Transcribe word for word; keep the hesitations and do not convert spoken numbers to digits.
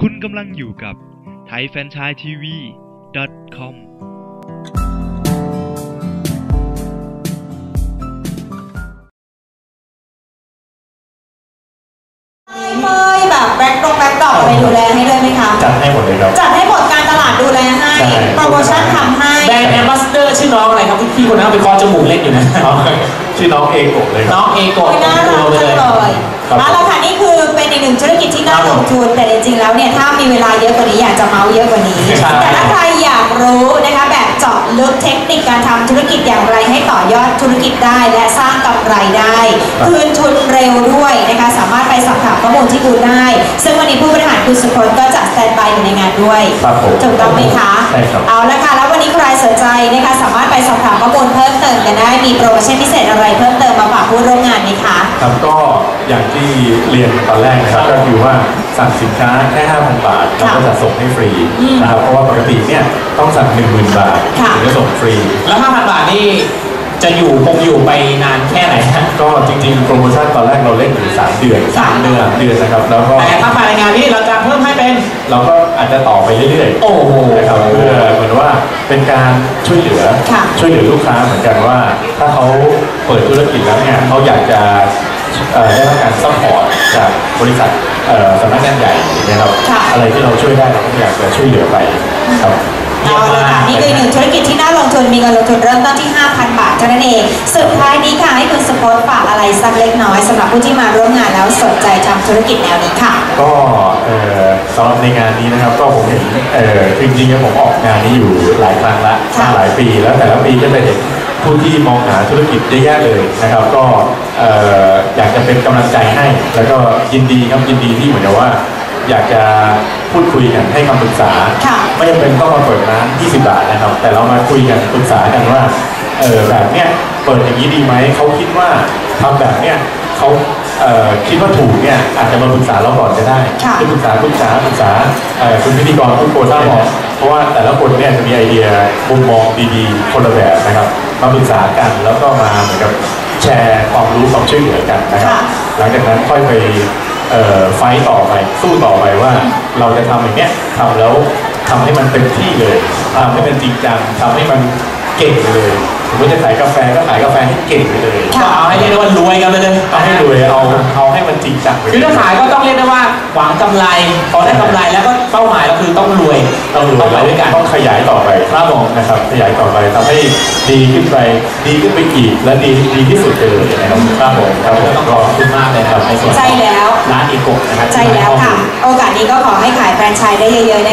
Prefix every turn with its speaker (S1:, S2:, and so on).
S1: คุณกำลังอยู่กับไทยแฟรนไชส์ทีวี ดอท คอม
S2: เมยแบบแบล็คดงแบล็คดอกอะไรดูแลให้ด้วยไหมคะ
S3: จัดให้หมดเลยครับ
S2: จัดให้หมดการตลาดดูแลให้โปรโมชั่นทำให้
S4: แบรนด์แอมบาสเดอร์ชื่อน้องอะไรครับพี่คนนั้นไปคอจมูกเล็กอยู่นะ
S3: ชื่อน้องเอโกะเลย
S4: น้องเอโกะ
S2: น่ารักจังเลยมาแล้วค่ะนี่คือเป็นอีกหนึ่งธุรกิจที่น่าลงทุนแต่จริงๆแล้วเนี่ยถ้ามีเวลาเยอะกว่านี้อยากจะเมาเยอะกว่านี้แต่ถ้าใครอยากรู้นะคะแบบเจาะลึกเทคนิคการทำธุรกิจอย่างไรให้ต่อยอดธุรกิจได้และสร้างกำไรได้คืนทุนเร็วด้วยนะคะสามารถไปสอบถามข้อมูลที่คุณได้ซึ่งวันนี้ผู้บริหารคุณสุพลก็จะสแตนบายอยู่ในงานด้วยถูกต้องไหมคะ
S3: ใช่ครับ
S2: เอาละค่ะแล้ววันนี้ใครสนใจนะคะสามารถไปสอบถามข้อมูลเพิ่มเติมกันได้มีโปรโมชั่นพิเศษอะไรเพิ่มเติมมาฝากผู้ร่วมงานไหมคะ
S3: ครับก็อย่างที่เรียนตอนแรกนะครับก็คือว่าสั่งสินค้าแค่ ห้าพัน บาทเราก็จะส่งให้ฟรีนะครับเพราะว่าปกติเนี่ยต้องสั่ง หนึ่งหมื่น บาทถึงจะส่งฟรี
S4: แล้ว ห้าพัน บาทนี่จะอยู่คงอยู่ไปนานแค่ไหนฮะ
S3: ก็จริงๆโปรโมชั่นตอนแรกเราเล่นถึงสามเดือน
S4: สามเดือน
S3: เดือนนะครับแล้วก็
S4: แต่ถ้าภายในงานนี้เราจะเพิ่มให้เป็น
S3: เราก็อาจจะต่อไปเรื่อยๆ
S4: โอ้โห
S3: นะครับเพื่อเหมือนว่าเป็นการช่วยเหลือช่วยเหลือลูกค้าเหมือนกันว่าถ้าเขาเปิดธุรกิจแล้วเนี่ยเขาอยากจะได้รับการซัพพอร์ตจากบริษัทสำนักงานใหญ่นะครับอะไรที่เราช่วยได้เราก็อยากจะช่วยเหลือไปครับ
S2: เอาเลยค่ะนี่คือหนึ่งธุรกิจที่น่าลงทุนมีเงินลงทุนเริ่มต้นที่ ห้าพัน บาทเท่านั้นเองสุดท้ายนี้ค่ะให้คุณสปอร์ตฝากอะไรสักเล็กน้อยสำหรับผู้ที่มาร่วมงานแล้วสนใจทำธุรกิจแนวนี้ค่ะ
S3: ก็สำหรับในงานนี้นะครับก็ผมเห็นจริงๆผมออกงานนี้อยู่หลายครั้งละหลายปีแล้วแต่ละปีก็จะเห็นผู้ที่มองหาธุรกิจเยอะแยะเลยนะครับก็อยากจะเป็นกำลังใจให้แล้วก็ยินดีครับยินดีที่เหมือนกับว่าอยากจะพูดคุยกันให้คำปรึกษาไม่จำเป็นต้องมาเปิดร้านยี่สิบบาทนะครับแต่เรามาคุยกันปรึกษากันว่าเออแบบเนี้ยเปิดอย่างนี้ดีไหมเขาคิดว่าทำแบบเนี้ยเขาเอ่อคิดว่าถูกเนี่ยอาจจะมาปรึกษาเราก่อนก็ได้ปรึกษาปรึกษาปรึกษาคุณพิธีกรทุกคนได้เพราะว่าแต่ละคนเนี่ยจะมีไอเดียมุมมองดีๆคนละแบบนะครับมาปรึกษากันแล้วก็มาเหมือนกับแชร์ความรู้ความช่วยเหลือกันนะครับหลังจากนั้นค่อยไปไฟต์ต่อไปสู้ต่อไปว่าเราจะทำอย่างเนี้ยทำแล้วทำให้มันเต็มที่เลยทำให้มันจริงจังทำให้มันเก่งเลยผมก็จะขายกาแฟก็ขายกาแฟให้เก่งไปเลย
S4: เอาให้เรียกได้ว่ารวยกันไปเลย
S3: เอาให้รวยเอาเอาให้มันจริงจัง
S4: คือถ้าขายก็ต้องเรียกได้ว่าหวังกำไรพอได้กำไรแล้วก็เป้าหมายก็คือต้องรวย
S3: ต้องรวยไปด้วยกันต้องขยายต่อไปครับผมนะครับขยายต่อไปทำให้ดีขึ้นไปดีขึ้นไปอีกและดีดีที่สุดเลยนะครับครับผมครับผม
S4: ต้องขอบคุณมากเลยครับในส่วน
S2: ใจแล้ว
S4: ร้านอีโกะนะครับ
S2: ใจแล้วค่ะโอกาสนี้ก็ขอให้ขายแฟรนไชส์ได้เยอะๆ